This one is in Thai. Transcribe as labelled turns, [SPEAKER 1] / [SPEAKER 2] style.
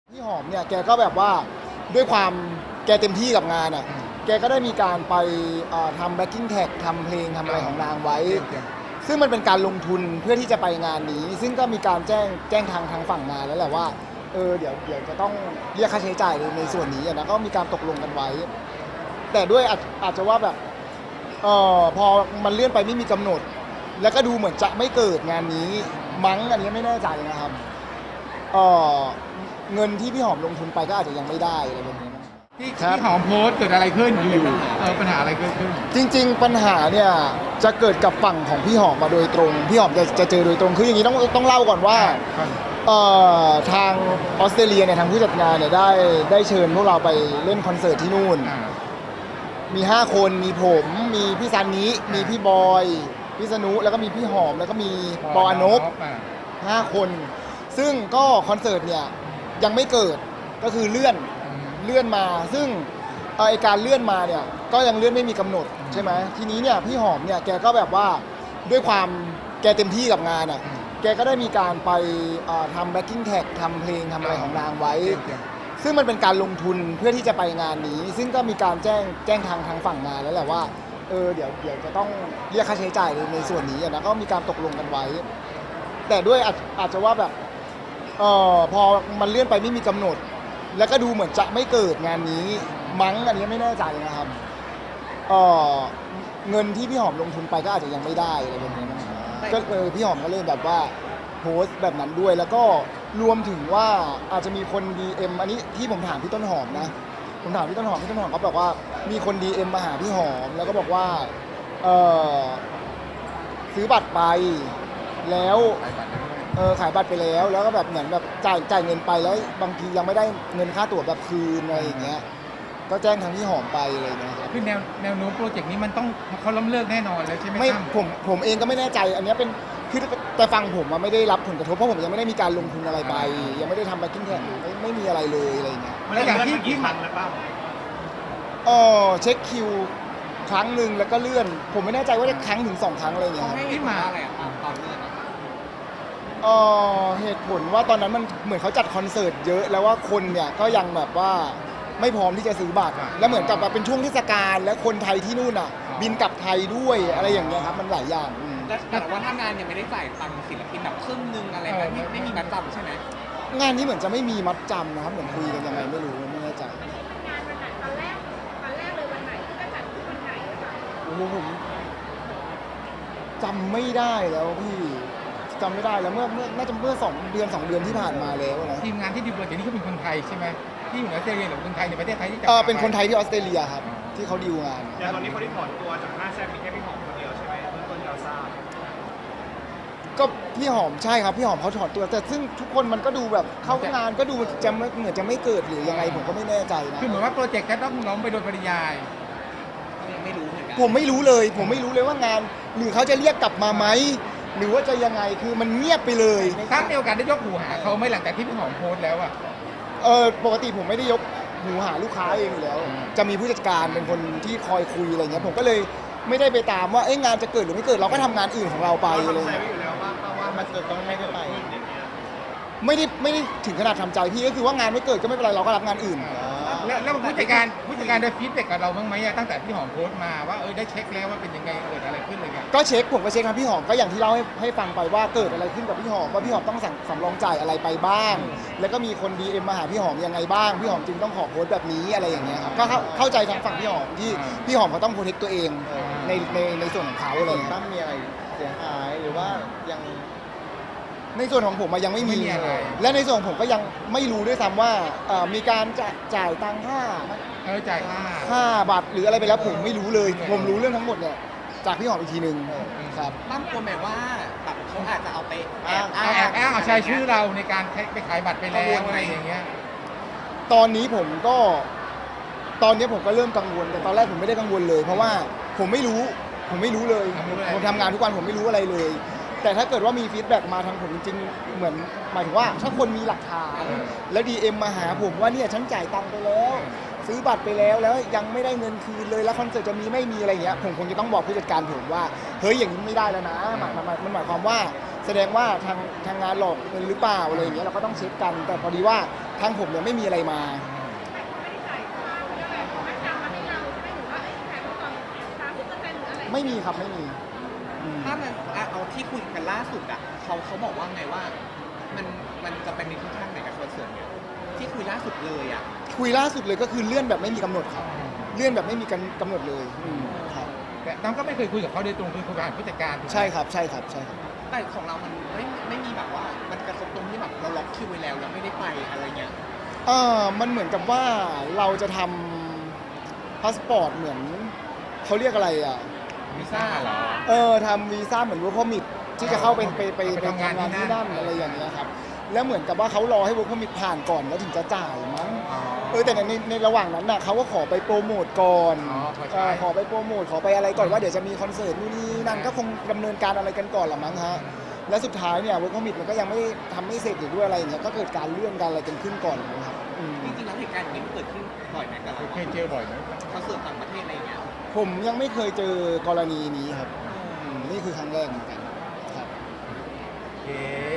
[SPEAKER 1] พี่หอมเนี่ยแกก็แบบว่าด้วยความแกเต็มที่กับงานอ่ะแกก็ได้มีการไปทำแบ็คกิ้งแท็กทำเพลงทำอะไรของนางไว้ ซึ่งมันเป็นการลงทุนเพื่อที่จะไปงานนี้ ซึ่งก็มีการแจ้งทางฝั่งงานแล้วแหละว่าเดี๋ยวจะต้องเรียกค่าใช้จ่ายในส่วนนี้นะก็มีการตกลงกันไว้ แต่ด้วยอาจจะว่าแบบพอมันเลื่อนไปไม่มีกำหนด แล้วก็ดูเหมือนจะไม่เกิดงานนี้มั้งอันนี้ไม่แน่ใจนะครับเงินที่พี่หอมลงทุนไปก็อาจจะยังไม่ได้อะไรแบบนี้นะ
[SPEAKER 2] ที่หอมโพสต์เกิดอะไรขึ้นอยู่ปัญหาอะไรเกิดขึ้น
[SPEAKER 1] จริงๆปัญหาเนี่ยจะเกิดกับฝั่งของพี่หอมมาโดยตรงพี่หอมจะเจอโดยตรงคืออย่างนี้ต้องเล่าก่อนว่าทางออสเตรเลียเนี่ยทางผู้จัดงานเนี่ยได้เชิญพวกเราไปเล่นคอนเสิร์ตที่นู่นมี5คนมีผมมีพี่ซันนี้มีพี่บอยพี่สนุแล้วก็มีพี่หอมแล้วก็มีปออนบ5คนซึ่งก็คอนเสิร์ตเนี่ยยังไม่เกิดก็คือเลื่อนมาซึ่งไอการเลื่อนมาเนี่ยก็ยังเลื่อนไม่มีกำหนดใช่ไหมทีนี้เนี่ยพี่หอมเนี่ยแกก็แบบว่าด้วยความแกเต็มที่กับงานอ่ะแกก็ได้มีการไปทำแบ็คกิ้งแท็กทำเพลงทำอะไรของนางไว้ ซึ่งมันเป็นการลงทุนเพื่อที่จะไปงานนี้ ซึ่งก็มีการแจ้งทางฝั่งงานแล้วแหละว่าเดี๋ยวจะต้องเรียกค่าใช้จ่ายในส่วนนี้นะก็มีการตกลงกันไว้ แต่ด้วยอาจจะว่าแบบพอมันเลื่อนไปไม่มีกำหนด แล้วก็ดูเหมือนจะไม่เกิดงานนี้มั้งอันนี้ไม่แน่ใจนะครับเงินที่พี่หอมลงทุนไปก็อาจจะยังไม่ได้อะไรแบบนี้นะก็พี่หอมก็เลยแบบว่าโพสต์แบบนั้นด้วยแล้วก็รวมถึงว่าอาจจะมีคน DM อันนี้ที่ผมถามพี่ต้นหอมนะผมถามพี่ต้นหอมเขาบอกว่ามีคน DM มาหาพี่หอมแล้วก็บอกว่าซื้อบัตรไปแล้วขายบัตรไปแล้วก็แบบเหมือนแบบจ่ายเงินไปแล้วบางทียังไม่ได้เงินค่าตั๋วแบบคืนอะไรอย่างเงี้ยก็แจ้งทางพี่หอมไปอะไรเงี้ย
[SPEAKER 2] คือแนวโน้มโปรเจกต์นี้มันต้องเขาล้มเลิกแน่นอนแล้วใช่ไหม
[SPEAKER 1] ไม่ผมเองก็ไม่แน่ใจอันนี้เป็นคือแต่ฟังผมไม่ได้รับผลกระทบเพราะผมยังไม่ได้มีการลงทุนอะไรไปยังไม่ได้ทำแบ็คกิ้งแท็กไม่มีอะไรเลยอะไรเงี้ย
[SPEAKER 2] แล้วอย่างที่มันแล้วเปล่า
[SPEAKER 1] เช็คคิวครั้งหนึ่งแล้วก็เลื่อนผมไม่แน่ใจว่าได้ครั้งถึง2 ครั้งอะไรเงี้ย
[SPEAKER 2] ที่มาอะไรตอนเลื่อน
[SPEAKER 1] เหตุผลว่าตอนนั้นมันเหมือนเขาจัดคอนเสิร์ตเยอะแล้วว่าคนเนี่ยก็ยังแบบว่าไม่พร้อมที่จะซื้อบัตรแล้วเหมือนกับเป็นช่วงเทศกาลและคนไทยที่นู่นอ่ะบินกลับไทยด้วยอะไรอย่างเงี้ยครับมันหลายอย่าง
[SPEAKER 3] แต่ว่าถ้างานยังไม่ได้จ่ายตังค์ศิลปินแบบครึ่งนึงอะไรแบบไม่มีมัดจำใช่ไหม
[SPEAKER 1] งานนี้เหมือนจะไม่มีมัดจำนะครับเหมือนคุยกันยังไงไม่รู้ไม่แน่ใจ
[SPEAKER 4] งานวันไหนตอนแรกเลยวันไหนที่จะจัดวันไหน
[SPEAKER 1] โอ้โหผมจำไม่ได้แล้วพี่จำไม่ได้แล้วเมื่อน่าจะเมื่อ2 เดือนที่ผ่านมาแล้วนะ
[SPEAKER 2] ทีมงานที่ดีลโปรเจกต์นี้เขาเป็นคนไทยใช่ไหมที่อยู่ในออสเตรเลียหรือคนไทยในประเทศไทยที่จะ
[SPEAKER 1] เป็นคนไทยที่ออสเตรเลียครับที่เขาดีลงาน
[SPEAKER 5] อย่างตอนนี้คนที่ถอนตัวจาก5แซ่บมีแค่พี่หอมคนเดียวใช่ไหมเบื้องต้นเราทราบ
[SPEAKER 1] ก็พี่หอมใช่ครับพี่หอมเขาถอนตัวแต่ซึ่งทุกคนมันก็ดูแบบเข้างานก็ดูจะเหมือนจะไม่เกิดหรือยังไงผมก็ไม่แน่ใจนะ
[SPEAKER 2] คือเหมือนว่าโปรเจกต์จะต้องล้มไปโดยปริยาย
[SPEAKER 3] ไม่รู้เหมือนกัน
[SPEAKER 1] ผมไม่รู้เลยว่างานหรือเขาจะเรียกกลับมาไหมหรือว่าจะยังไงคือมันเงียบไปเลย
[SPEAKER 2] ถ้ามีโอกาสได้ยกหูหาเขาไม่หลังจากที่พี่หอมโพสต์แล้วอ่ะ
[SPEAKER 1] ปกติผมไม่ได้ยกหูหาลูกค้าเองอยู่แล้วจะมีผู้จัดการเป็นคนที่คอยคุยอะไรเงี้ยผมก็เลยไม่ได้ไปตามว่างานจะเกิดหรือไม่เกิดเราก็ทำงานอื่นของเราไป
[SPEAKER 5] เล
[SPEAKER 1] ย
[SPEAKER 5] อยู่แล้วว่ามันจะต้องไม่ได้ไป
[SPEAKER 1] ไม่ได้ถึงขนาดทำใจพี่ก็คือว่างานไม่เกิดก็ไม่เป็นไรเราก็รับงานอื่น
[SPEAKER 2] แล้วผู้จัดการได้ฟีดแบ็กกับเราบ้างไหมตั้งแต่พี่หอมโพสต์มาว่าได้เช็คแล้วว่าเป็นยังไงเกิดอะไรขึ้นเลย
[SPEAKER 1] ก็เช็คผมก็เช็คครับพี่หอมก็อย่างที่เล่าให้ฟังไปว่าเกิดอะไรขึ้นกับพี่หอมว่าพี่หอมต้องสำรองจ่ายอะไรไปบ้างแล้วก็มีคน DM มาหาพี่หอมยังไงบ้างพี่หอมจึงต้องขอโพสต์แบบนี้อะไรอย่างเงี้ยครับก็เข้าใจทางฝั่งพี่หอมที่พี่หอมเขาต้องโปรเทคตัวเองในส่วนของเขาอะไร
[SPEAKER 5] ตั้มมีอะไรเสียหายหรือว่ายัง
[SPEAKER 1] ในส่วนของผมยังไม่มีและในส่วนของผมก็ยังไม่รู้ด้วยซ้ำว่ามีการจ่ายตังค่า
[SPEAKER 2] จ่าย
[SPEAKER 1] ค่าบัตรหรืออะไรไปแล้วผมไม่รู้เลยผมรู้เรื่องทั้งหมดเนี่ยจากพี่หอมอีกทีนึงครับ
[SPEAKER 3] ตั้มกลัวไหมว่าแบบเขาอาจจะเอาไป
[SPEAKER 2] แอบอ้างเอาใช้ชื่อเราในการไปขายบัตรไปแล้วอะไรอย่างเงี้ย
[SPEAKER 1] ตอนนี้ผมก็เริ่มกังวลแต่ตอนแรกผมไม่ได้กังวลเลยเพราะว่าผมไม่รู้เลยผมทำงานทุกวันผมไม่รู้อะไรเลยแต่ถ้าเกิดว่ามีฟีดแบ็กมาทางผมจริงๆเหมือนหมายถึงว่าถ้าคนมีหลักฐานแล้ว DM มาหาผมว่าเนี่ยฉันจ่ายตังค์ไปแล้วซื้อบัตรไปแล้วยังไม่ได้เงินคืนเลยแล้วคอนเสิร์ตจะมีไม่มีอะไรเงี้ยผมคงจะต้องบอกผู้จัดการผมว่าเฮ้ยอย่างนี้ไม่ได้แล้วนะมันหมายความว่าแสดงว่าทางงานหลอกเงินหรือเปล่าอะไรอย่างเงี้ยเราก็ต้องเช็คกัน แต่พอดีว่าทางผมเนี่ยไม่มีอะไรมา
[SPEAKER 4] แต่เขาไม่ได้จ่ายค่าเขาเรียกอะไรมัดจำมาให้เราใช่ไหมหรือว่าขายก่อน30%หรืออะไร
[SPEAKER 1] ไม่มีครับไม่มีอืม
[SPEAKER 3] ถ้ามันเอาที่คุยกันล่าสุดอ่ะเขาบอกว่าไงว่ามันจะเป็นในทิศทางไหนกับคอนเสิร์ตเนี่ยที่คุยล่าสุดเลยอ่ะ
[SPEAKER 1] คุยล่าสุดเลยก็คือเลื่อนแบบไม่มีกำหนดครับเลื่อนแบบไม่มีกำหนดเลยครับ
[SPEAKER 2] แต่น้องก็ไม่เคยคุยกับเขาโดยตรงคือคุยผ่านผู้จัดการถูกไหม
[SPEAKER 1] ใช่ครับใช่ครับใช่ครับ
[SPEAKER 3] แต่ของเรามันไม่มีแบบว่ามันกระทบตรงที่แบบเราล็อกคิวไว้แล้วแล้วไม่ได้ไปอะไรเงี้ย
[SPEAKER 1] มันเหมือนกับว่าเราจะทำพาสปอร์ตเหมือนเขาเรียกอะไรอ่ะ
[SPEAKER 2] วีซ่าเหรอ
[SPEAKER 1] ทำวีซ่าเหมือน work permit ที่จะเข้าไป
[SPEAKER 2] ไปทำงานที่นั่น
[SPEAKER 1] ที่นั่นอะไรอย่างเงี้ยครับแล้วเหมือนกับว่าเขารอให้ work permit ผ่านก่อนแล้วถึงจะจ่ายมั้ง
[SPEAKER 2] อ๋อ
[SPEAKER 1] แต่ในระหว่างนั้นน่ะเขาก็ขอไปโปรโมทก่อน
[SPEAKER 2] อ๋อขอใช้
[SPEAKER 1] ขอไปโปรโมทขอไปอะไรก่อนว่าเดี๋ยวจะมีคอนเสิร์ตนู่นนี่นั่นก็คงดำเนินการอะไรกันก่อนละมั้งฮะและสุดท้ายเนี่ย work permit มันก็ยังไม่ทำไม่เสร็จอยู่ด้วยอะไรอย่างเงี้ยก็เกิดการเลื่อนการอะไรกันขึ้นก่อนนะครับอืม
[SPEAKER 3] จริงๆแล้วเหตุการณ์อย่างนี้มันเกิดขึ้นบ่อยไหมกับเรา
[SPEAKER 2] เคยเจอบ่อยไหม
[SPEAKER 3] คอนเสิร์ตต่างประเทศอะไรอย่างเงี้ย
[SPEAKER 1] ผมยังไม่เคยเจอกรณีนี้ครับนี่คือครั้งแรกเหมือนกันครับ
[SPEAKER 2] โอเค